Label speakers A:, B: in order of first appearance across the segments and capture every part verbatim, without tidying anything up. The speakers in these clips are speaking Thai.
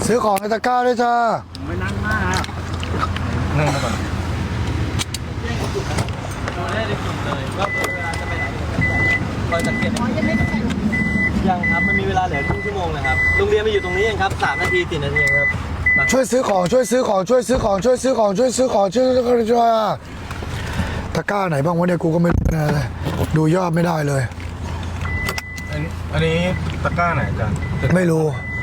A: ซื้อของในตะกร้าด้วยจ้า
B: ไม่นั่งมากนั่งมาก่อนดูได้ในกลุ่มเลยว่าเวลาจะไปไหนคอยสังเกตยังครับมันมีเวลาเหลือครึ่งชั่วโมงนะครับโรงเรียนมาอยู่ตรงนี้เองครับสามนาทีสี่นาทีครับ
A: ช่วยซื้อของช่วยซื้อของช่วยซื้อของช่วยซื้อของช่วยซื้อของช่วยซื้อของช่วยตะกร้าไหนบ้างวะเนี่ยกูก็ไม่รู้นะเลยดูยอดไม่ได้เลย
C: อันนี้อันนี้ตะกร้าไหนอาจารย์
A: ไม่รู้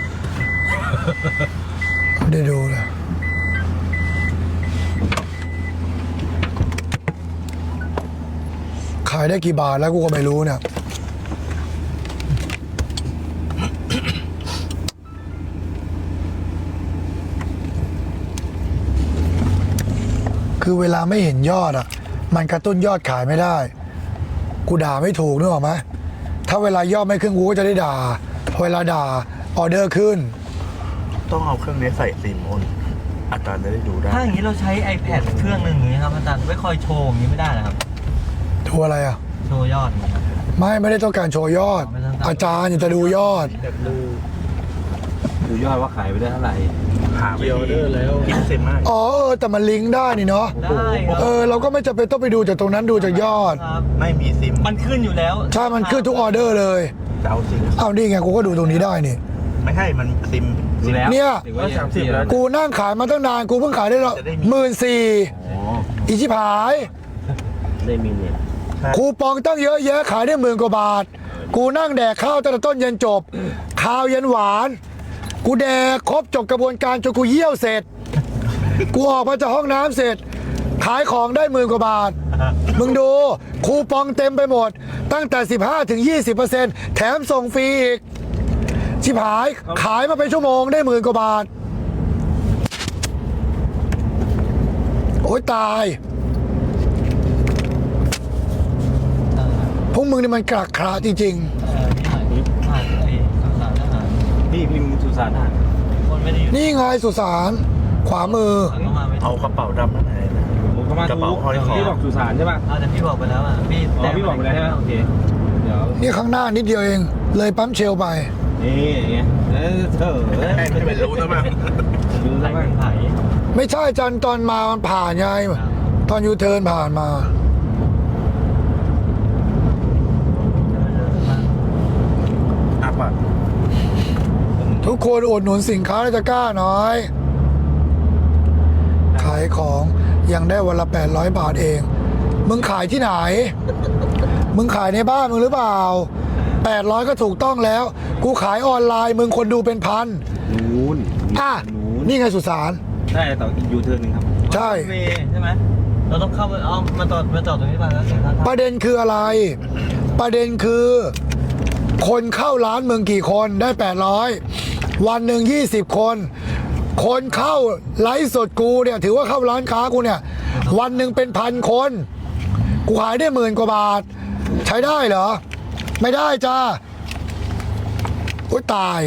A: ไม่ได้ดูเลยขายได้กี่บาทแล้วกูก็ไม่รู้เนี่ยคือเวลาไม่เห็นยอดอ่ะมันกระตุ้นยอดขายไม่ได้กูด่าไม่ถูกนึกออกไหมถ้าเวลายอดไม่ขึ้นกูก็จะได้ด่าพอเวลาด่าออเดอร์ขึ้น
C: ต้องเอาเครื่องนี้ใส่ซิมโอนอาจารย์จะได้ดูได้
B: ถ้าอย่างนี้เราใช้ iPad เครื่องหนึ่งอย่างนี้ครับอาจารย์ไม่คอยโชว์อย่างนี้ไม่ได้นะครับ
A: โชว์อะไรอ่ะ
B: โชว์ยอด
A: ไม่ไม่ได้ต้องการโชว์ยอดอาจารย์อยากจะดูยอด
B: ดูดูยอดว่าขายไปได้เท่าไหร่
C: หาวิธีแล้วคิดเซ็นมาก
A: อ๋อเออแต่มันลิงก์ได้นี่เนาะ
B: ได้
A: เออเราก็ไม่จำเป็นต้องไปดูจากตรงนั้นดูจากยอด
C: ไม่มีซิม
B: มันขึ้นอยู่แล้ว
A: ใช่มันขึ้นทุกออเดอร์เลย
C: จะเอาซิม
A: เอานี่ไงกูก็ดูตรงนี้ได้นี่
C: ไม่ใช่มันซิม
A: เนี่ยกูนั่งขายมาตั้งนานกูเพิ่งขายได้หมื่นสี่อีชิบหาย
B: ได้มีเนี่ย
A: คูปองตั้งเยอะแยะขายได้หมื่นกว่าบาทกูนั่งแดกข้าวตั้งแต่ต้นยันจบข้าวยันหวานกูแดกครบจบกระบวนการจนกูเยี่ยวเสร็จกูออกมาจากห้องน้ำเสร็จขายของได้หมื่นกว่าบาทมึงดูคูปองเต็มไปหมดตั้งแต่ สิบห้าถึงยี่สิบเปอร์เซ็นต์ แถมส่งฟรีอีกชิบหายขายมาเป็นชั่วโมงได้หมื่นกว่าบาทโอ๊ยตายพวกมึงนี่มันกระคราจริง
B: ๆพี่พิมพ์สุสานคนไม่ได้อยู่
A: นี่ไงสุสานขวามือ
C: เอากระเป๋าดำนั่นไง
B: ผมก็มากระเป๋าห้อยคอพี่บอกสุสานใช่ป่ะแต่พี่บอกไปแล้วอ่ะพี่แต่พี่บอกไปแล้วใช่ไหมโอเค
A: เดี๋ยวนี่ข้างหน้านิดเดียวเองเลยปั๊มเชลไป
B: นี่ไงเออเธอ
C: ไม่รู้นะมั้ง
B: รู้แล้วมั้ง
A: ไม่ใช่จันตอนมามันผ่านไงตอนยูเทิร์นผ่านมาทุกคนอุดหนุนสินค้าในตะกร้าหน่อยขายของยังได้วันละแปดร้อยบาทเองมึงขายที่ไหนมึงขายในบ้านมึงหรือเปล่าแปดร้อยก็ถูกต้องแล้วกูขายออนไลน์มึงคนดูเป็นพัน
B: นู้น
A: อ่ะนี่ไงสุสาน
B: ใช่ต่อยูเทิร์นนึงครับ
A: ใช่
B: ใช่ไหมเราต้องเข้าเอามาจอดมาจอดตรงนี้ป่ะแล้ว
A: ประเด็นคืออะไรประเด็นคือคนเข้าร้านมึงกี่คนได้แปดร้อยวันหนึ่งยี่สิบคนคนเข้าไลฟ์สดกูเนี่ยถือว่าเข้าร้านค้ากูเนี่ยวันหนึ่งเป็นพันคนกูขายได้หมื่นกว่าบาทใช้ได้เหรอไม่ได้จ้าโอ๊ยตาย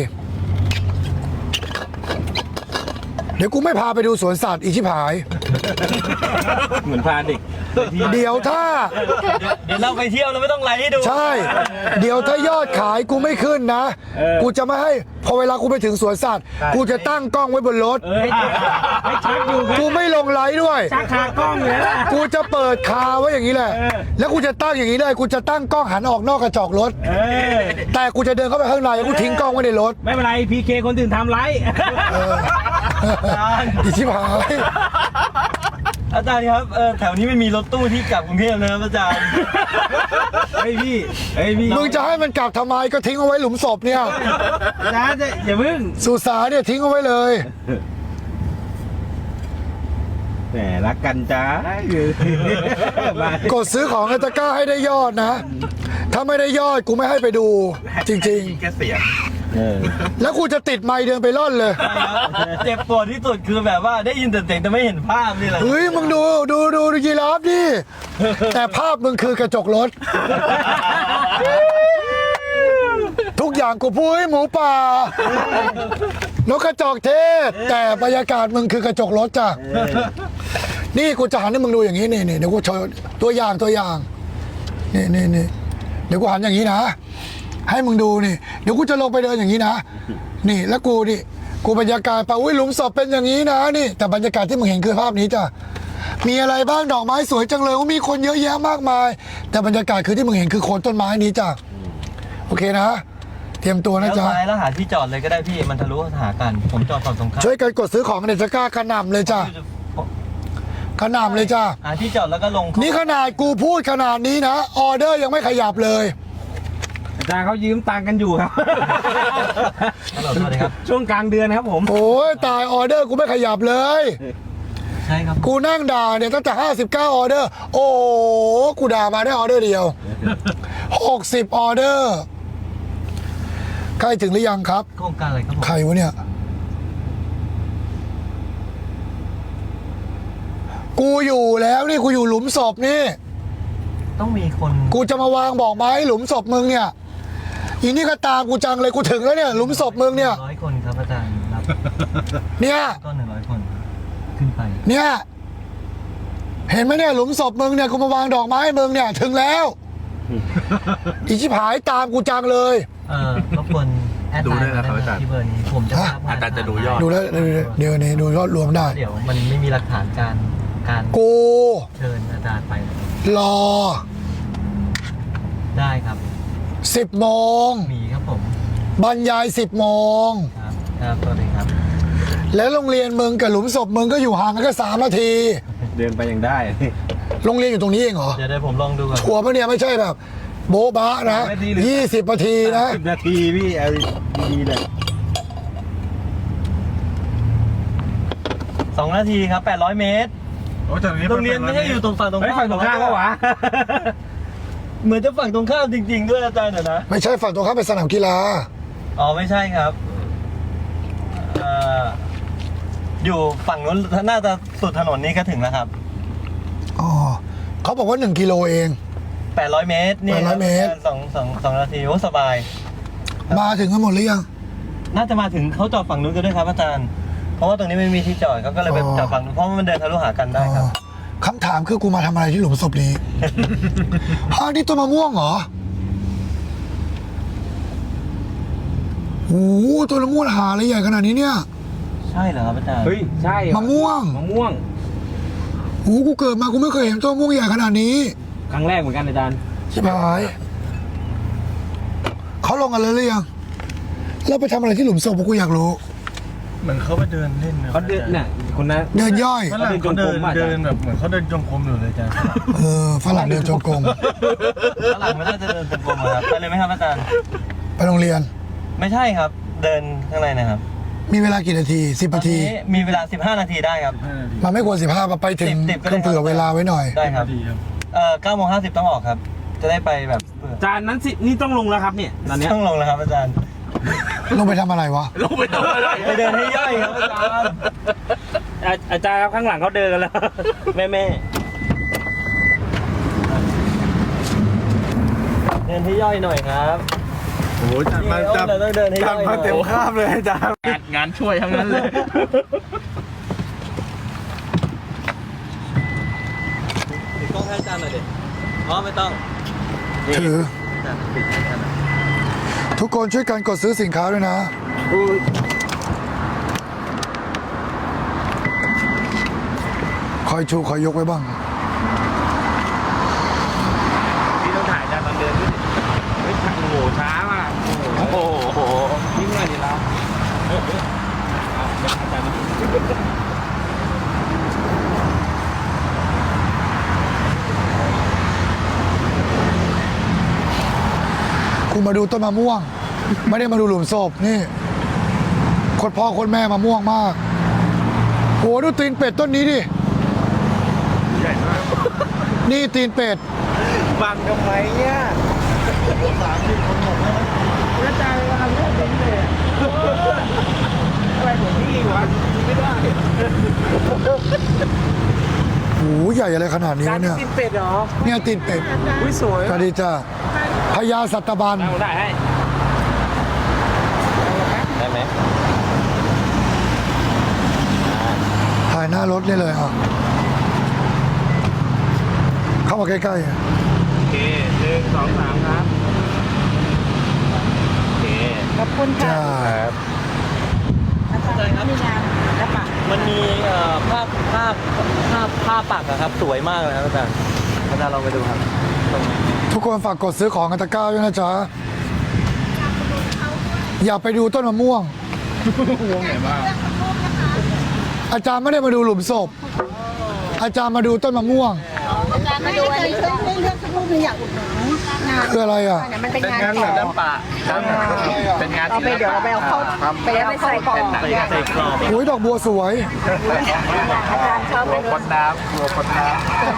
A: เดี๋ยวกูไม่พาไปดูสวนสัตว์อีชิบหาย
B: เหมือนพาเด็ก
A: เดี๋ยวถ้า
B: เดี๋ยวเราไปเที่ยวเราไม่ต้องไลฟ์ให้ดู
A: ใช่เดี๋ยวถ้ายอดขายกูไม่ขึ้นนะกูจะไม่ให้พอเวลากูไปถึงสวนสัตว์กูจะตั้งกล้องไว้บนรถ
B: ให้ชักอยู่
A: กูไม่ลงไลฟ์ด้วย
B: ชักคากล้องเลย
A: กูจะเปิดคาไว้อย่างนี้แหละแล้วกูจะตั้งอย่างนี้เลยกูจะตั้งกล้องหันออกนอกกระจกรถแต่กูจะเดินเข้าไปข้างในกูทิ้งกล้องไว้ในรถ
B: ไม่เป็นไรพีเคคนอื่นทำไลฟ์
A: อีชิบหาย
B: อาจารย์ครับแถวนี้ไม่มีรถตู้ที่กลับกรุงเทพนะครับอาจารย์ไอ้พี่ไอ้พี่
A: มึงจะให้มันกลับทำไมก็ทิ้งเอาไว้หลุมศพเนี่ย
B: อาจารย์อย่าพึ่ง
A: สุสานเนี่ยทิ้งเอาไว้เลย
B: แหมรักกันจ้าก
A: ดซื้อของในตะกร้าให้ได้ยอดนะถ้าไม่ได้ยอดกูไม่ให้ไปดูจริง
C: ๆแค่เสียง
A: แล้วกูจะติดไมค์เดินไปร่อนเลย
B: เจ็บปวดที่สุดคือแบบว่าได้ยินแต่เสียงแต่ไม่เห็นภาพนี่แหละ
A: เฮ้ยมึงดูดูดูดูยีราฟดิแต่ภาพมึงคือกระจกรถทุกอย่างกูพูดให้หมูป่านกกระจอกเทศแต่บรรยากาศมึงคือกระจกรถจ้ะนี่กูจะหันให้มึงดูอย่างนี้นี่นี่เดี๋ยวกูโชว์ตัวอย่างตัวอย่างนี่นี่นี่เดี๋ยวกูหันอย่างนี้นะให้มึงดูนี่เดี๋ยวกูจะลงไปเดินอย่างนี้นะนี่แล้วกูนี่กูบรรยากาศไปอุ้ยหลุมศพเป็นอย่างนี้นะนี่ แต่บรรยากาศที่มึงเห็นคือภาพนี้จ้ะมีอะไรบ้างดอกไม้สวยจังเลยว่ามีคนเยอะแยะมากมาย แต่บรรยากาศคือที่มึงเห็นคือโคนต้นไม้นี้จ้ะโอเคนะ เตรียมตัวนะ
B: แล้ว
A: จ๊ะ
B: ซ้ายแล้วหาที่จอดเลยก็ได้พี่มันทะลุหากันผมจอดฝั่งตรงข้าม
A: ช่วยกันกดซื้อของในตะกร้ากระหน่ำเลยจ้ะกระหน่ำเลยจ้ะ
B: หาที่จอดแล้วก็ลง
A: นี่ขนาดกูพูดขนาดนี้นะออเดอร์ยังไม่ขยับเลย
D: อาจารย์เขายืมตังค์กันอยู่ครับ
B: ฮัลโหลสวัสดีครับ
D: ช่วงกลางเดือนครับผม
A: โอ้ยตายออเดอร์กูไม่ขยับเลย
B: ใช่ครับ
A: กูนั่งด่าเนี่ยตั้งแต่ห้าสิบเก้าออเดอร์ โอ้โหกูด่ามาได้ออเดอร์เดียวหกสิบออเดอร์ใกล้ถึงหรือยังครับ
B: โครงการอะไรครับผม
A: ใครวะเนี่ย กูอยู่แล้วนี่กูอยู่หลุมศพนี่
B: ต้องมีคน
A: กูจะมาวางบอกไม้หลุมศพมึงเนี่ยอีนี่ก็ตามกูจังเลยกูถึงแล้วเนี่ยหลุมศพมึงเนี่ย
B: ร้อยคนครับอาจารย์รับ
A: เนี่ย
B: ก็หนึ่งร้อยคนขึ้นไป
A: เนี่ย เห็นไหมเนี่ยหลุมศพมึงเนี่ยกูมาวางดอกไม้ให้มึงเนี่ยถึงแล้วอีชิบหายตามกูจังเลย
B: เออรบกวนแอด
C: ดู
B: ไล
C: ด้วย
B: น์
C: นะครับ
B: มา
C: อาจารย์
B: ที่เบอร์นี้ผมจะ
A: ฮะ
B: ภาพ
C: อาจารย์จะดูยอด
A: ดูแล้วเดี๋ยวนี้ดูยอดรวมได้
B: เดี๋ยวมันไม่มีหลักฐานการการ
A: กู
B: เชิญอาจารย์ไป
A: รอ
B: ได้ครับ
A: สิบโมง
B: มีครับผม
A: บรรยายสิบโมง
B: ครับครับสวัสดีครับ
A: แล้วโรงเรียนมึงกับหลุมศพมึงก็อยู่ห่างกันแค่สามนาที
D: เดินไปยังได้
A: โรงเรียนอยู่ตรงนี้เองเหรอ
B: เดี๋ยวเดี๋ยวผมลองดูก่อน
A: ชัวร์ปะเนี่ยไม่ใช่แบบ โบ๊ะบะนะ
D: ไม่ดีเลย
A: ยี่สิบนาทีนะ
D: สิบนาทีพี่เอาดีๆเลย
B: สองนาทีครับแปดร้อยเมตร
C: โอ้จากนี้
B: โรงเรียนไม่ใช่อยู่ตรงฝั่งตรง
D: เฮ้ย
B: ข้าม
D: ฝั่งตรงข้ามก็หวะ
B: เหมือนจะฝั่งตรงข้ามจริง ๆ ด้วยอาจารย์เดี๋ยวนะ
A: ไม่ใช่ฝั่งตรงข้ามเป็นสนามกีฬา
B: อ๋อไม่ใช่ครับเอ่ออยู่ฝั่งนู้นน่าจะสุดถนนนี้ก็ถึงแล้วครับ
A: อ๋อเขาบอกว่าหนึ่งกิโลเอง
B: แปดร้อยเมตรนี่
A: แปดร้อยเมตร
B: สองสองสองนาทีโอ้สบาย
A: มาถึงกันหมดหรือยัง
B: น่าจะมาถึงเขาจอดฝั่งนู้นกันด้วยครับอาจารย์ เพราะว่าตรงนี้ไม่มีที่จอดเขาก็เลยไป
A: อ๋อ
B: จอดฝั่งนู้นเพราะว่ามันเดินทะลุหากันได้ครับ
A: อ๋อคำถามคือกูมาทำอะไรที่หลุมศพนี้ อ้าวนี่ต้นมะม่วงเหรอโอ้โหต้นมะม่วงหาอะไรใหญ่ขนาดนี้เนี่ย
B: ใช่เหรอครับอาจารย์
D: เฮ้ยใช่
A: มะม่วง
D: มะม่วง
A: โอ้โหกูเกิดมากูไม่เคยเห็นต้นมะม่วงใหญ่ขนาดนี้
D: ครั้งแรกเหมือนกันอาจารย์
A: ชิบหายเขาลงกันเลยหรือยังแล้วไปทำอะไรที่หลุมศพกูอยากรู้
E: เหมือนเขาไปเดินเล่นนะ
D: เขาเดินเนี่ยคนนั้น
A: เดินย่อย
E: ฝรั่งเขาเดินเดินแบบเหมือนเขาเดินจงกรมอยู่เลยจ้ะ
A: เออฝรั่งเดินจงกรม
B: ฝรั่งไม่น่าจะเดินจงกรมอะครับไปเลยไหมครับอาจารย์
A: ไปโรงเรียน
B: ไม่ใช่ครับ เดินข้างในนะครับ
A: มีเวลากี่นาทีสิบนาที
B: ตอนนี้มีเวลาสิบห้านาทีได้ครับ
E: ห้านาที
A: มันไม่ควรสิบห้าไปถึง
B: สิบสิบก็ได้
A: ต้องเผื่อเวลาไว้หน่อย
B: ได้ครับ
E: ดีครับ
B: เอ่อเก้าโมงห้าสิบต้องออกครับ จะได้ไปแบบเผื่อ
D: อาจารย์นั้นสินี่ต้องลงแล้วครับเนี่ยตอนเนี้ย
B: ต้องลงแล้วครับอาจารย์
A: ลงไปทำอะไรวะ
D: ลงไปทำอะไร
B: ไปเดินให้ย่อยครับอาจารย์
D: อาอาจารย์ครับข้างหลังเขาเดินกันแล้ว แม่แม่
B: เดินให้ย่อยหน่อยครับ
C: โอ้โหจัดมาจัด
B: เราต้องเดินให้ย่
C: จั
B: อ
C: ด
B: ยหน่
C: มา
B: อย
C: เต็มคาบเลยอาจารย์
D: งานช่วยทั้งนั้นเลย
B: ติดกล้องให้อาจารย์หน่อยดิอ๋อไม่ต้อง
A: ถือ
B: อาจารย์ปิดให้อาจารย์หน่อย
A: ทุกคนช่วยกันกดซื้อสินค้าด้วยนะ คอยชูคอยยกไว้บ้าง
D: พี่ต้องถ่ายอาจารย์ตอนเดินด้วยดิเฮ้ยโอ้โหช้ามากโอ้โหยิ่งหน่อยดิเราเออเออเอาเดี๋ยวอาจารย์มาดู
A: กูมาดูต้นมะม่วง ไม่ได้มาดูหลุมศพนี่คนพ่อคนแม่มะม่วงมากโหดูตีนเป็ดต้นนี้ดิ
C: ใหญ่มาก
A: นี่ตีนเป็ด
D: บังทำไมเนี่ยสามสิบคนหมดแล้วอาจารย์กำลังเล่นเล่นเลยอะไรของพี่วะไม่ได้
A: โหใหญ่อะไรขนาดนี้
D: จาน
A: วะเนี่ย
D: กินเป็ดเหรอ
A: เนี่ยตีนเป็ด
D: อุ้ยสวย
A: สวัสดีจ้าพญาสัตบัน
D: เอาได้ให้
B: ได้ไหม
A: ถ่ายหน้ารถได้เลยอ่ะเข้ามาใกล้ๆอ่ะ
D: โอเคหนึ่งสองสามครับโอเค
F: ขอบคุณค่ะ
A: จ้า
F: อาจารย์
B: อาจารย์ครับมันมีเอ่อภาพภาพภาพภาพปักอะครับสวยมากเลยครับอาจารย์อาจารย์ลองไปดูครับตรงนี้
A: ทุกคนฝากกดซื้อของกันตะกร้าด้วยนะจ๊ะอย่าไปดูต้นมะม่วง
D: วงไหนบ้าง
A: อาจารย์ไม่ได้มาดูหลุมศพ อาจารย์มาดูต้นมะม่วง
F: อาจารย์มาดูอันนี้เรื่องเรื่องสักรูปหนึงอยากอุดหนุนงาน
A: คืออะไรอ่ะ
F: เนี่ยมันเป็น
D: เป็น
F: งาน
D: งาน
F: ข
D: ศิ
F: อง
D: ลปะครับเป็นงาน
F: เอาไปเดี๋ยวเราไปเอาเข้าไปเอาเข้ากล่อง
B: ใส่ใส่กรอบ
A: โอ้ยดอกบัวสวย
F: อาจารย์ชอบ
D: ตัวคนน้ำตัวคนน้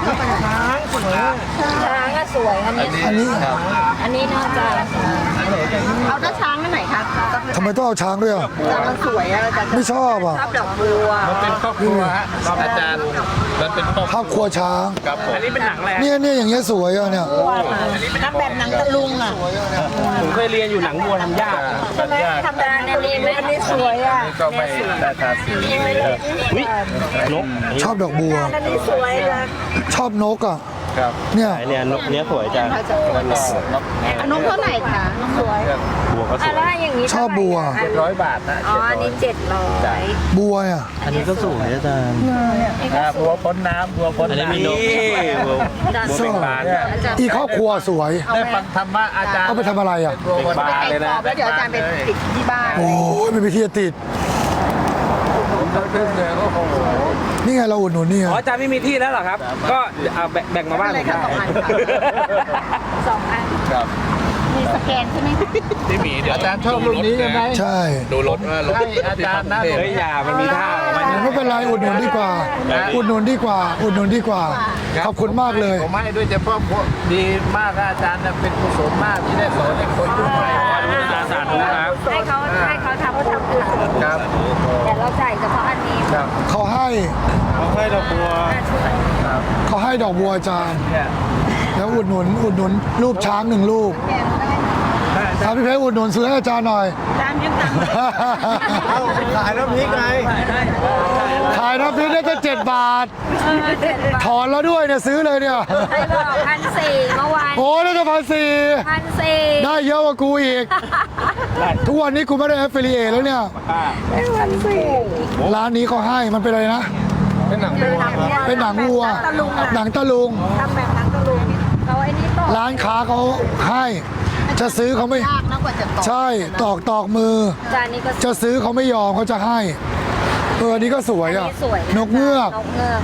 F: ช้างอะสวยอันนี้
A: อันนี้
F: อันนี้น่าจะเอาด้าช้างอันไหนคะ
A: ทำไมต้องเอาช้างด้วยอ่ะ
F: แต่มันสวยอะอาจารย์
A: ไม่ชอบอ่ะ
F: ชอบดอกบัว
D: ำมันเป็นครอบครัวฮะอาจารย์มันเป็นครอบ
A: ภาพครัวช้าง
D: ครับผมอันนี้เป็นหนังอะไร
A: เนี่ยเนี่ยอย่างเงี้ยสวยอ่ะเนี่ย
F: ทำแบบหนังตะลุงอะ
D: ผมเคยเรียนอยู่หนังบัวทำยาก
F: ใช่ไหมทำแบบอันนี้ไหมอันนี้สวยอะ
D: ก็ไม่ได้ทาสีอุ้ยนก
A: ชอบดอกบัว
F: อันนี้สวยนะ
A: ชอบนกอ่ะ
D: ครับ
A: เนี่ย
B: เนี่ยนกเนี้ยสวยอาจารย์
F: อันนกเท่าไหร่คะนกสวย
B: บัวก็สวย
F: อะไรอย่างนี้
A: ชอบบัว
D: เจ็ดร้อยบาทนะ
F: อ๋ออันนี้เจ็ดร้อย
A: บัวอ่ะ
B: อันนี้ก็สวยอาจารย์
D: ครับบัวพ้นน้ำบัวพ้น
B: อันนี้
D: น้ำ
B: มีนกบัว
D: บัวเป็นบานเนี่ย
A: อีครอบครัวสวย
D: ได้ฟังธรรมะอาจารย์
A: เอาไปทำอะไรอ่ะ
D: บัวพ้นบานเลยนะ
F: แล้วเดี๋ยวอาจารย์ไปติดที่บ้าน
A: โอ้ยไม่มีที่จะติด
D: ผมก็ขึ้นเลยโอ้โห
A: นี่ไงเราอุดหนุนนี่ไง
G: อ๋ออาจารย์ไม่มีที่แล้วเหรอครับ ก็เอาแบ่งแบ่งมาบ้านผมได้
F: สองอัน
D: ครับ
F: มีสแกนใช่ไหมคะ
D: ที่มีเดี๋ยวอาจารย์ชอบรุ่นนี้ใช่ไหม
A: ใช่
D: ดูรถว่ารถให้อาจารย์นะ
G: เฮ้ยอย่ามันมีท่าของมัน
A: ไม่เป็นไรอุดหนุนดีกว่า อุดหนุนดีกว่า อุดหนุนดีกว่า ขอบคุณมากเลย
D: ผมให้ด้วยเฉพาะพวกดีมากอาจารย์เป็นกุศลมากที่ได้สอนให้คนรุ่นใหม่
G: อาจารย์สาธุครับ
F: ให้เขาให้เขาทำเขาทำอื่น
D: ครับ
F: แต่เราจ่ายเฉพาะอันนี้
D: ครับ
A: เขาให้
G: เขาให้ดอกบัว
A: เขาให้ดอกบัวอาจารย์ แล้วอุดหนุน อุดหนุนรูปช้างหนึ่งรูปครับพี่เพชรอุดหนุนซื้อให้อาจารย์หน่อย
F: จานยังตังค์
C: ขายน้ำพริกไง
A: ขายน้ำพริกได้แค่เจ็ดบาท ถอนแล้วด้วยเนี่ยซื้อเลยเนี่ย
F: ใครบอกพันสี่เมื่อวาน
A: โอ้ได้จะพันสี่
F: พันสี่
A: ได้เยอะกว่ากูอีก ทุกวันนี้กูไม่ได้แอฟเฟลิเอแล้วเนี่ย
F: พันสี่
A: ร้านนี้เขาให้มันเป็นอะไรนะ
D: เป็นหนัง
F: เป็นหนัง
A: เป็นหนังวัว
F: ตะลุงอะ
A: หนังตะลุง
F: ทำแบบหนังตะลุงเราไอ้นี่ตอก
A: ร้านค้าเขาให้ จะซื้อเขาไม่
F: ยากนะกว่าจะตอก
A: ใช่ ตอกตอกมือ
F: จานนี้ก็
A: จะซื้อเขาไม่ยอมเขาจะให้ เอออันนี้ก็สวย
F: อัน
A: อ่ะ
F: นี้สวยะ
A: นกเงือก
F: นกเงือก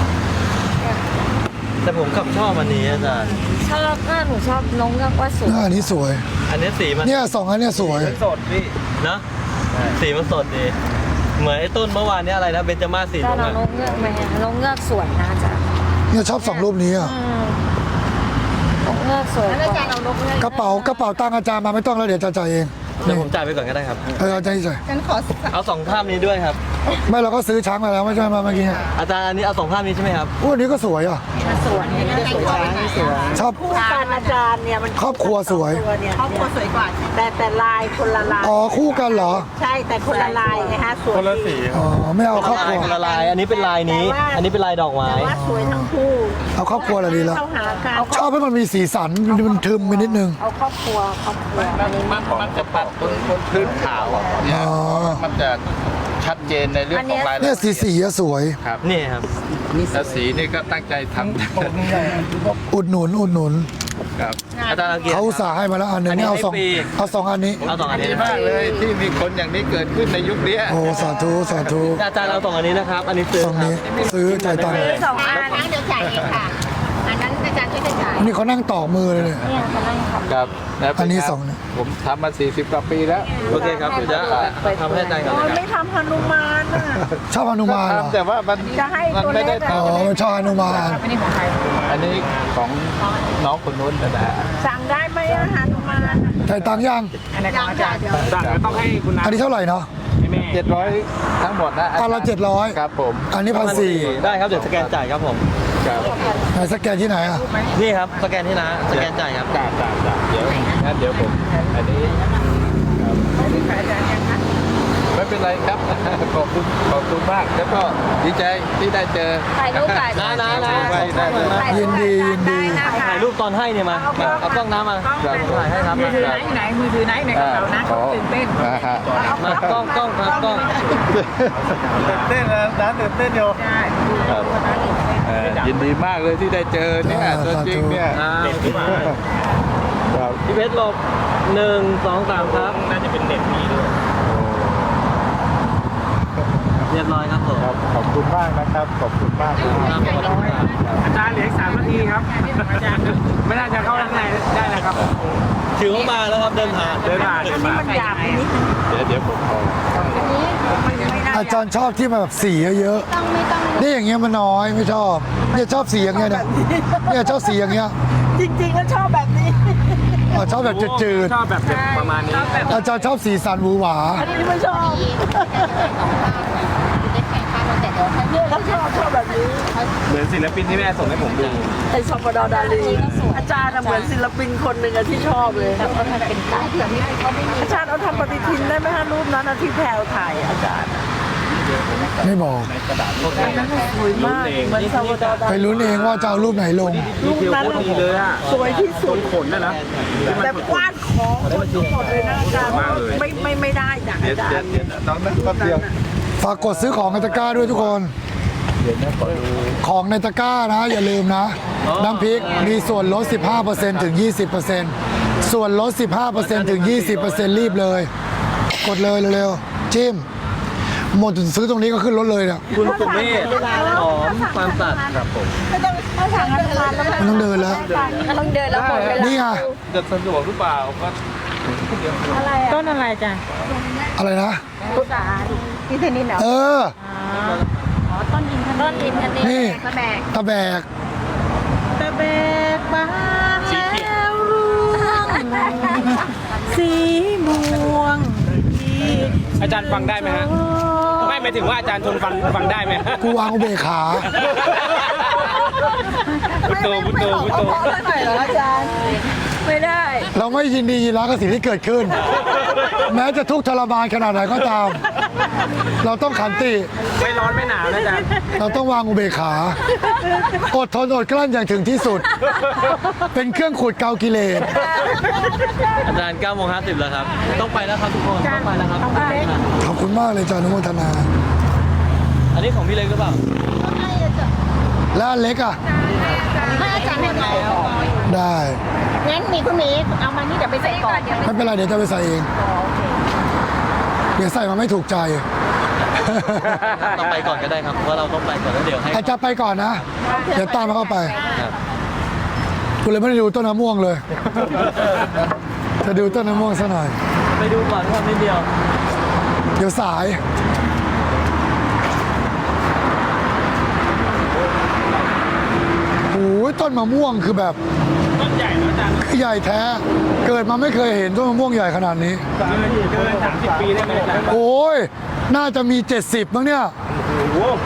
B: แต่ผมกลับชอบอันนี้อาจารย์
F: ชอบเออหนูชอบนกเงือกว่าสวย
A: หน้าอันนี้สวย
B: อันนี้สีมัน
A: เนี่ยสองอันเนี่ยสวย
G: สดพี่
B: นะสีมันสดดีเหมือนไอ้ต้นเมื่อวานเนี้อะไรนะเบญจมาศสี
F: ถ้า
B: ลุง
F: เรา
B: อะ
F: นกเงือกไหมอะนกเงือกสวยนะจ๊ะ
A: เนี่ยชอบสองรูปนี้อ่ะ
F: อืมนกเงือกสวยแล้วอาจารย์เอานกเงือก
A: กระเป๋ากระเป๋าตังค์อาจารย์มาไม่ต้องแล้วเดี๋ยวอาจารย์จ่ายเอง
B: เดี๋ยวผมจ่ายไปก่อนก็ได้ครับ
A: เอออาจารย์จ่าย
F: ฉันขอ
B: เอาสองภาพนี้ด้วยครับ
A: ไม่เราก็ซื้อช้างมาแล้วไม่ใช่มาเมื่อกี้
B: อาจารย์อันนี้เอาสองภาพนี้ใช่ไหมครับ
A: อู้อันนี้ก็สวยอ่ะ
F: สวยนี่สวยนี่สวย
A: ชอบ
F: คู่กันอาจารย์เนี่ยมัน
A: ครอบครัวสวย
F: ตัวเนี่ยครอบครัวสวยกว่า แต่แต่ลายคนละลาย
A: อ๋อคู่กันเหรอ
F: ใช่แต่คนละลายไงฮะสวย
D: คนละสี
A: อ๋อไม่เอาครอบค
B: ลา
A: รั
B: ยว คนละลาย อันนี้เป็นลายนี้ อันนี้เป็นลายดอกไม้
F: แต่ว่าสวยทั้งคู่
A: เอาครอบครัวอะไรดีละ
F: เข้าหากัน
A: ชอบให้มันมีสีสันมันทึมไปนิดนึง
F: เอาครอบครัวครอบครัวอันนี้
D: มันมันจะปัดบนบนพื้นขาวเนี่ย
A: อ๋อ
D: มันจะชัดเจนในเรื่องของรายละ
A: เนี่
D: เอี
A: ย
D: ยด
A: สีสีอะสวย
D: ครับ
B: นี่ครับ
D: แล้วสีนี่ก็ตั้งใจทำ
A: อุดหนุนอุดหนุน
D: ครับ
B: อาจารย์เอาเกียร
A: เขา
B: ติ
A: อุตส่าห์ให้มาแล้วอันหนึง
B: อันนี้
A: นี่เอาสอง
B: ให้ฟรี
A: เอาสองอันนี้
B: เอาสองอันนี้
D: ดี
B: นะ
D: มากเลยที่มีคนอย่างนี้เกิดขึ้นในยุคเนี้ย
A: โอ้สาธุสาธุ
B: อาจารย์เอาสองอันนี้นะครับ อันนี้ซื้อ
A: สอง
B: ครั
A: นี้
B: บ
A: ซื้อจ่ายตังค์
F: สองอันเดี๋ยวจ่ายเองค่ะ อันนั้นอาจารย์ช่วยจ่าย
A: อันนี้เขานั่งต่อมือเลยเนี่ย
F: เนี่ยเขานั่งทำ
D: ครับะ
A: อันนี้
D: ครับ
A: สองเนี่ย
D: ผมทำมาสี่สิบกว่าปีแล้ว
B: โอเคครับเดี๋ยวจะทำให้อาจารย์ก่อนเลยครับ
F: ไม่ทำฮนุมานอ่ะ
A: ชอบฮนุมานเหรอ
D: ทำแต่ว่ามัน
F: จะให้
D: มัน
F: ตัว
D: ไม่
F: เล็
D: ได้
F: ก
D: ท
A: อ๋อมันชอบฮนุมาน
D: ำอันนี้ของน้องคนนู้นนะนะ
F: สั่งได้ไหมอะฮนุมาน
A: จ่ายตังค์ยัง
F: ยังจ่ายเดี๋ยว
G: สั่งก็ต้องให้คุณน้า
A: อันนี้เท่าไหร่เนาะ
G: ให้แม่
D: เจ็ดร้อยทั้งหมดนะ
A: อันละเจ็ดร้อย
D: ครับผม
A: อันนี้พันสี่
B: ได้ครับ เดี๋ยวสแกนจ่ายครับผม
D: ครับ
A: ไหนสแกนที่ไหนอ่ะ
B: นี่ครับ สแกนที่นะ สแกนจ่ายครับ
D: จ่ายจ่ายจ่ายเดี๋ยวงั้นเดี๋ยวผมอันนี้ครับไม่
G: เป็นไรครับ ขอบคุณขอบคุณมากแล้วก็ดีใจที่ได้เจอ
F: ถ่ายรูปถ่าย
B: นะนะนะ
G: ได้ได้ได้
A: ยินดียินดี
B: ถ่ายรูปตอนให้เนี่ยมามาเอากล้องน้ำมาถ่ายให้ครับ
H: มือถือไหนไหนมือถือไหนในกระเป๋านะเขาตื่นเต้น
G: อ่าฮะ
B: มากล้องกล้องครับกล้อง
E: ตื่นเต้นนะร้านตื่นเต้นอยู่
H: ใช่
G: ครับเอ่อยินดีมากเลยที่ได้เจอเนี่ย
A: อ่า
G: ตัวจริงเนี่ย
B: อ่า
G: ครับ
B: พี่เพชรหลบหนึ่งสองสามครับน่าจะเป็นเน็ตมีด้วยเรียบร้อยครับผม
G: ครับขอบคุณมากนะครับ ขอบคุณมากครับ อาจารย์เหลืออีกสามนาทีครับอาจารย์ไม่น่าจะเข้าด้านในได้แล้วครับ
B: ถือว่ามาแล้วครับเดินทาง
G: เดินผ่านเดินผ่าน
H: มันหยาบไปนิด
G: เดี๋ยวเดี๋ยวผมขอ
A: อาจารย์ชอบที่มันแบบสีเยอะ
F: ต้องไม่ต้อง
A: ๆนี่อย่างเงี้ยมันน้อยไม่ชอบเนี่ยชอบสีอย่างเงี้ยเนี่ยเนี่ยชอบสีอย่างเงี้ย
H: จริงๆแล้วชอบแบบนี้
A: อ๋อชอบแบบจืด
G: ชอบแบบประมาณนี้
A: ๆอาจารย์ชอบสีสันหวือหวา
H: อันนี้ไม่ชอบ
F: ได้แข่งข้าวแต่เดี๋ยวถ้า
H: เนี่ยเขาชอบชอบแบบนี้
G: เหมือนศิลปินที่แม่ส่งให้ผมดู
H: ไอ้ซอปดอดาลีอาจารย์น่ะเหมือนศิลปินคนหนึ่งอะที่ชอบเลย
F: แต่มันเป็นสายแบบนี้เขาไม่
H: อาจารย์เอาทำปฏิทินได้ไหมฮะรูปนั้นอะที่แพรวถ่ายอะอาจารย์
A: ไม่บอก
H: สวยมากเหมือนซาปดอดา
A: ไป
H: ลี
A: ลุ้นเองว่าจะเอารูปไหนลง
H: รูปนั้น
G: ดีเลยอะ
H: สวยที่สุด
G: ขนน่ะนะ
H: แต่กว้านของคนทุกคนเลยนะอาจารย์
G: มากเลย
H: ไม่ไม่ไม่ได้นะ
G: เดี๋ยว
H: อาจาร
G: เดี๋ยว
H: ย์
G: เดี๋ยวน้องนั่งแป๊บเดียว
A: ฝากกดซื้อของในตะกร้าด้วยทุกคน ของในตะกร้านะ อย่าลืมนะ น้ำพริกมีส่วนลด สิบห้าเปอร์เซ็นต์ ถึง ยี่สิบเปอร์เซ็นต์ ส่วนลด สิบห้าเปอร์เซ็นต์ ถึง ยี่สิบเปอร์เซ็นต์ รีบเลย กดเลยเร็วๆ จิ้ม หมดซื้อตรงนี้ก็ขึ้นรถเลยเนี่ย
B: คุณสุเมธหอมฟาร์มสัตว์ครับผม
H: ไม่ต้องถ้าสั่งอาหารแล้ว
A: มันต้องเดินแล้ว
F: ต้องเดินแล้วหมดเวลา
A: นี่ไง
G: จะสะดวกหรือเปล่าก็
H: ต้นอะไรจ้ะ
A: อะไรนะ
F: ที่เทนนิสเหรอ
A: เออ
F: อ๋อต้นอินทต้นอินทนิ
A: นี่
F: กระแบก
A: ตะแบก
H: ตะเบกบานแล้วร่วงสีม่วงที่
G: อาจารย์ฟังได้ไหมฮะ ไม่หมายถึงว่าอาจารย์ทนฟังฟังได้ไหม
A: กูวางอุเบกขา
G: พุทโธพุทโธพุทโธ
H: เพราะหน่อยเหรออาจารย์ ไม่ได้
A: เราไม่ยินดียินร้ายกับสิ่งที่เกิดขึ้น แม้จะทุกข์ทรมานขนาดไหนก็ตาม เราต้องขันติ
G: ไม่ร้อนไม่หนาวนะอาจารย์
A: เราต้องวางอุเบกขา อดทนอดกลั้นอย่างถึงที่สุด เป็นเครื่องขูดเกากิเลส
B: อาจารย์เก้าโมงห้าสิบแล้วครับ ต้องไปแล้วครับทุกคน ต้องไปแล้วครับ
A: ขอบคุณมากเลยจานุโมทนา
B: อันนี้ของพี่เล็กหรือเปล่า
A: แล้วอันเล็กอ่ะ
F: ไม่อาจารย์ให้ไหน
A: ได้
F: งั้นมีคุณมีเอามานี่เดี๋ยวไปใส่ก่อน
A: ไม่เป็นไรเดี๋ยวจะไปใส่เอง เดี๋ยวใส่มาไม่ถูกใจ
B: ต้องไปก่อนก็ได้ครับ เพราะว่าเราต้องไปก่อนแล้วเดี๋ยวให้
A: อาจจะไปก่อนนะ เดี๋ยวตามมาเข้าไป
B: ครับ
A: กูเลยไม่ได้ดูต้นมะม่วงเลย จะดูต้นมะม่วงซะหน่อย
B: ไปดูก่อนครับนิดเดียว
A: เดี๋ยวสาย โอ้ยต้นมะม่วงคือแบบ
G: ต้นใหญ่นะอาจารย์
A: คือใหญ่แท้ เกิดมาไม่เคยเห็นต้นมะม่วงใหญ่ขนาดนี้
G: เกินเกินสามสิบปีได้ไหมอาจารย์
A: โอ้ย น่าจะมี เจ็ดสิบมั้งเนี่ย
G: โอ้โห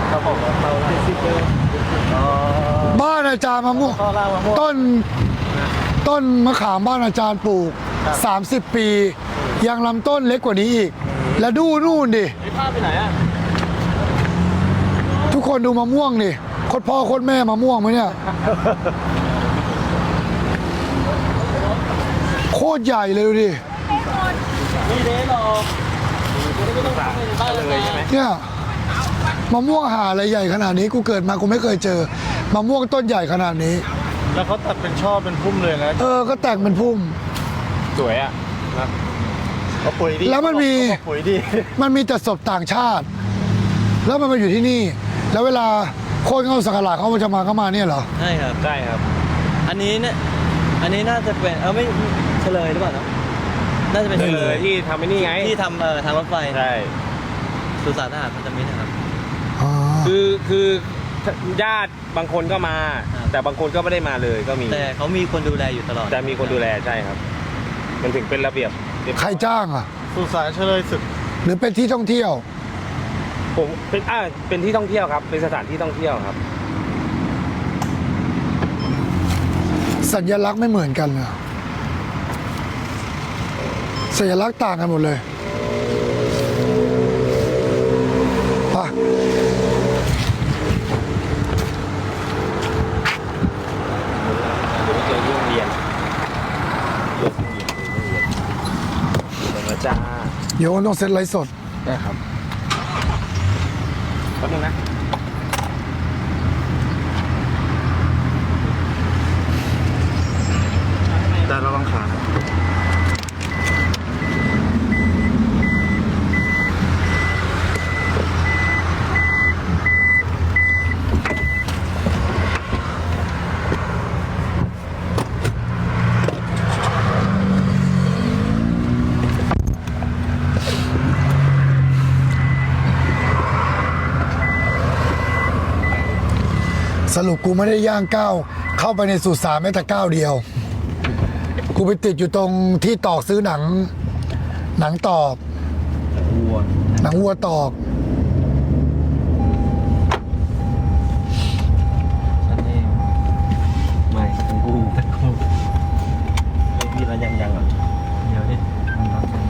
A: บ้านอาจารย์มะม่วง ต้น ต้นมะขามบ้านอาจารย์ปลูก สามสิบ ปี ยังลำต้นเล็กกว่านี้อีก แล้วดูนู่นดิ
B: มีภาพไปไหนอ่ะ
A: ทุกคนดูมะม่วงดิโคตรพ่อโคตรแม่มะม่วงไหมเนี่ย โคตรใหญ่เลยดูดิ
B: มีเดนหรอไม่ต้องไปบ้านเลยใช่ไหม
A: เนี่ยมะม่วงหาอะไรใหญ่ขนาดนี้ กูเกิดมากูไม่เคยเจอมะม่วงต้นใหญ่ขนาดนี้
E: แล้วเขาตัดเป็นช่อเป็นพุ่มเลยนะ
A: เออ ก็แต่งเป็นพุ่ม
G: สวยอ่ะนะ
E: เขาปุ๋ยดี
A: แล้วมันมี
E: เขาบอกปุ๋ยดี
A: มันมีแต่ศพต่างชาติ แล้วมันมาอยู่ที่นี่ แล้วเวลาโคนเข้าสักการะเขาจะมาเข้ามาเนี่ยเหรอ
B: ใช่ครับ
G: ได้ครับ
B: อันนี้เนี่ย อันนี้น่าจะเป็น เออไม่เฉลยหรือเปล่าเนอะน่าจะเป็น
G: ได้
B: เฉ
G: เล
B: ล
G: ย
B: ย
G: ที่ทำไอ้นี่ไง
B: ที่ทำเอ่อทางรถไฟ
G: ใช่
B: สุสานทหารพันธมิตรนะครับ
A: อ๋อ
G: คือคือญาติบางคนก็มา
B: ครับ
G: แต่บางคนก็ไม่ได้มาเลยก็มี
B: แต่เขามีคนดูแลอยู่ตลอด
G: แต่มีคนดูแลใช่ครับ มันถึงเป็นระเบียบ
A: ใครจ้างอ่ะ
E: สุสานเฉลยศึก
A: หรือเป็นที่ท่องเที่ยว
G: ผมเป็นอ่าเป็นที่ท่องเที่ยวครับ เป็นสถานที่ท่องเที่ยวครับ
A: สัญลักษณ์ไม่เหมือนกันนะสัญลักษณ์ต่างกันหมดเลยดี๋ยวต้องเซ็ตไลฟ์สด
G: ได้ครับแป๊บนึงนะ
C: แต่ระวังขานะ
A: สรุปกูไม่ได้ย่างก้าวเข้าไปในสุสานแม้แต่ก้าวเดียว กูไปติดอยู่ตรงที่ตอกซื้อหนัง หนังตอก
G: วัว
A: หนังวัวตอก
B: ฉันเอง
G: ไม่ทั้งคู่
B: ตะคุบ
G: ไม่พี่แล้วยังยังอ่ะ
B: เดี๋ยวดิมันรับกัน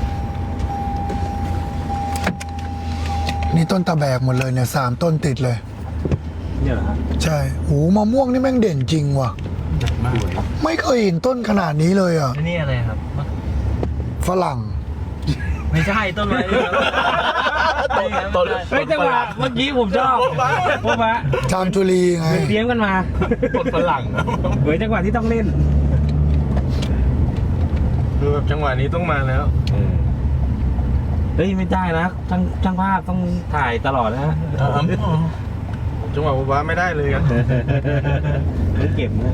A: นี่ต้นตะแบกหมดเลยเนี่ยสามต้นติดเลย
G: เนี่ยเหรอครับ
A: ใช่โหมะม่วงนี่แม่งเด่นจริงว่ะ ไม่เคยเห็นต้นขนาดนี้เลยอ่ะ
B: แล้วนี่อะไรครับ
A: ฝรั่ง
B: ไม่ใช่ต้นอะไรนี่ครับนี่ครับ
C: ต้น
G: เฮ้ยจังหวะเมื่อกี้ผมชอบพวกมะ
A: จามจุลีไง
G: เตรียมกันมา
C: ต้นฝรั่ง
G: เหมือนจังหวะที่ต้องเล่น
E: คือแบบจังหวะนี้ต้องมาแล้ว
G: เฮ้ยไม่ได้นะช่างช่างภาพต้องถ่ายตลอดนะฮะ
E: จังหวะว้าไม่ได้เลยกัน
G: ต้องเก็บนะ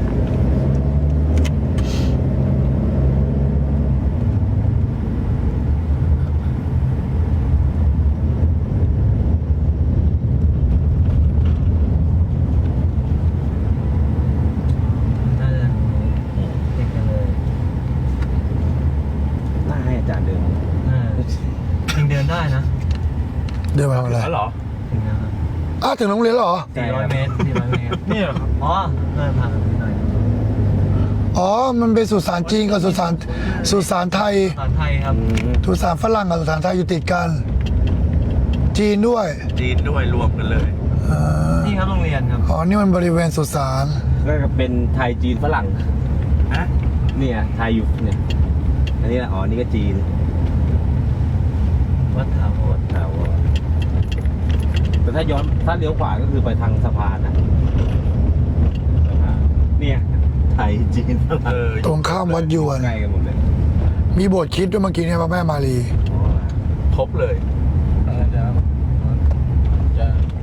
B: น่าจะติดกันเลย
G: น่าให้อาจารย์เดิน
B: เออจริงเดินได้นะ
A: เดินมาทำอะไร
G: แล้วเหรอ
B: ถึงนะครับ
A: อ้าวถึงโรงเรียนแล้วเหรอ
B: สี่ร้อยเมตรสี่ร้อยเมตร
E: นี่เหรอครับ
B: อ๋อเดินผ่านไปหน่อย
A: อ๋อ มันเป็นสุสานจีนกับสุสานสุสานไทย
B: ตอนไทยครับ
A: สุสานฝรั่งกับสุสานไทยอยู่ติดกัน จีนด้วย
C: จีนด้วยรวมกันเลย
A: อ่า
B: นี่ครับโรงเรียนครับ
A: อ๋อ นี่มันบริเวณสุสาน
G: ก็เป็นไทยจีนฝรั่ง
C: ฮะ
G: เนี่ยไทยอยู่เนี่ย อันนี้อ๋อ นี่ก็จีน
B: วัดถาวร
G: ถาวรแต่ถ้าย้อนถ้าเลี้ยวขวาก็คือไปทางสะพานนะสะพานเนี่ย ไทยจีนฝ
C: เอ
G: รั่ง
C: อ
A: ตรงข้ามวัดยวน
G: ใกล้กันหมดเลย
A: มีโบสถ์คริดด้วยเมื่อกี้เนี่ยพระแม่มารี
G: อ๋อ
C: ครบเลย
E: จะจะ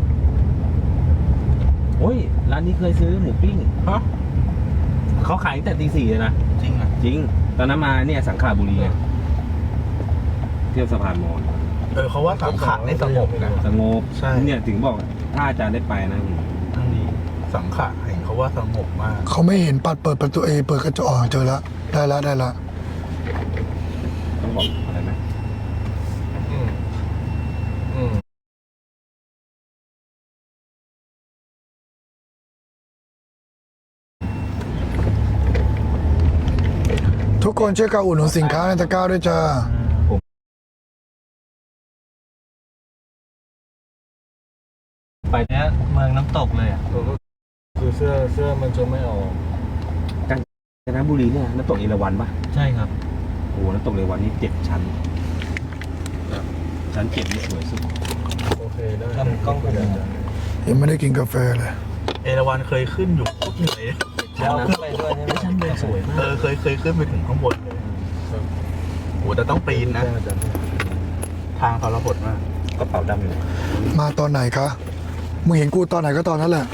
G: โอ้ย ร้านนี้เคยซื้อหมูปิ้ง
C: ฮะ
G: เขาขายตั้งแต่ตีสี่เลยนะ
C: จริงอ่ะ
G: จริง ตอนนั้นมาเนี่ยสังขละบุรีไงเที่ยวสะพานมอญ
C: เออเขาว่าสังขะในสงบนะ
G: สงบ
C: ใช่
G: เนี่ยถึงบอกถ้าอาจารย์ได้ไปนะทั้งดี
C: สังขะเห็นเขาว่าสงบมาก
A: เขาไม่เห็นปัดเปิดประตูเอเปิดกระจกอ๋อเจอแล้ว ได้แล้วได้แล้ว
G: ต้องบอกอะไรไหม
E: อืมอืม
A: ทุกคนช่วยกันอุดหนุนสินค้าในตะกร้าด้วยจ้า
B: ไปเนี้ยเมืองน้ำตกเลยอ่ะ
E: คือเสื้อเสื้อมันจะไม่ออก
G: กาญจนบุรีเนี่ยน้ำตกเอราวัณปะ
B: ใช่ครับ
G: โอ้โหน้ำตกเอราวัณนี่เจ็ดชั้นชั้นเจ็ดนี่สวยสุด
E: โอเคได้
B: ทำกล้องผม
A: ยังไม่ได้กินกาแฟเลย
C: เอราวัณเคยขึ้นอยู่โคตรเหนื่อย
B: แล้วขึ้นไปด้วยใช่ไหม
G: ชั้นเดินสวยมาก
C: เออเคยเคยขึ้นไปถึงข้างบนเลยโหแต่ต้องปีนนะ ทางเขาระหดมาก
G: กระเป๋าดำอยู่
A: มาตอนไหนคะ มึงเห็นกูตอนไหนก็ตอนนั้นแหละ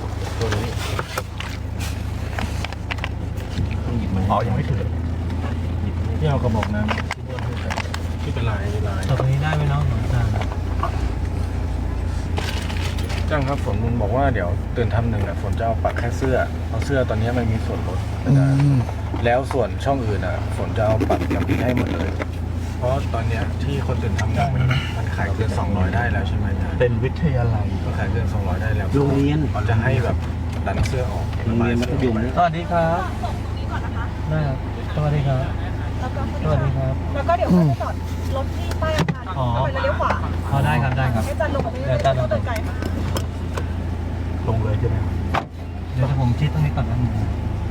G: ต้องหยิบมา
C: อ๋อยังไม่ถึง
E: ที่เอากระบอกน้ำที่เป็นลายเป็นลาย
B: ตรงนี้ได้ไหมน้องอาจารย์
E: จ้างครับฝนมันบอกว่าเดี๋ยวตื่นทำหนึ่งอ่ะฝนจะเอาปักแค่เสื้อเอาเสื้อตอนนี้มันมีส่วนลด
A: อืม
E: แล้วส่วนช่องอื่นอ่ะฝนจะเอาปักน้ำพริกให้หมดเลย เพราะตอนเนี้ยที่คนตื่นทำหนึ่งมันมันขายเกินสองร้อยได้แล้วใช่ไหมอาจารย์
C: เป็นวิทยาลัย
E: ก็ขายเกินสองร้อยได้แล้ว
G: โรงเรียน
E: เขาจะให้แบบดันเสื้อออก
G: โรงเรียนมัธยมเนี่ย
B: สวัสดีครับได้ครับสวัสดีครับสวัสดีครับ
F: แล้วก็เดี๋ยวค่อยไปจอดรถที่ใต้อาคาร
B: อ๋อ
F: เข้าไปแล้วเลี้ยวขวา
B: อ๋อได้ครับได้ครับ
F: ให้จันลงไปไม่
B: เดี๋ยวจันลงไป
F: เดินไกลค่ะ
C: ลงเลยใช่ไหมครับ
B: เดี๋ยวผมชิดตรงนี้ก่อนนะ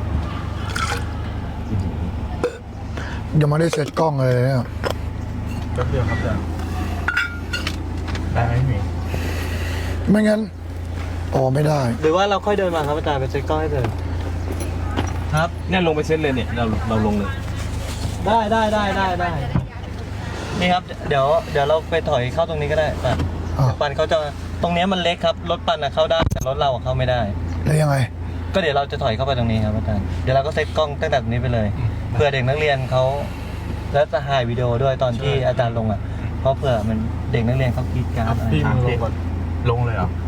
A: ยังไม่ได้เสร็จกล้องเลยเนี่ย
E: แป๊บเดียวครับอาจารย์ได้ไหมหมี
A: ไม่งั้นอ๋อไม่ได้
B: หรือว่าเราค่อยเดินมาครับอาจารย์ไปเช็คกล้องให้เดินครับ
G: เนี่ยลงไปเซ็ตเลยเนี่ยเราเราลงเลย
B: ได้ได้ได้ได้ได้นี่ครับเดี๋ยวเดี๋ยวเราไปถอยเข้าตรงนี้ก็ได้ปัน
A: อ่า
B: ปันเขาจะตรงเนี้ยมันเล็กครับรถปันอะเข้าได้แต่รถเราอะเข้าไม่ได้
A: แล้วยังไง
B: ก็เดี๋ยวเราจะถอยเข้าไปตรงนี้ครับอาจารย์เดี๋ยวเราก็เซตกล้องตั้งแต่ตรงนี้ไปเลยเผื่อเด็กนักเรียนเขาแล้วจะถ่ายวิดีโอด้วยตอนที่อาจารย์ลงอ่ะเพราะเผื่อมันเด็กนักเรียนเขากรีดกรารอะไร
E: พี่มึงลงก่อน
C: ลงเลยเหรอ
B: ค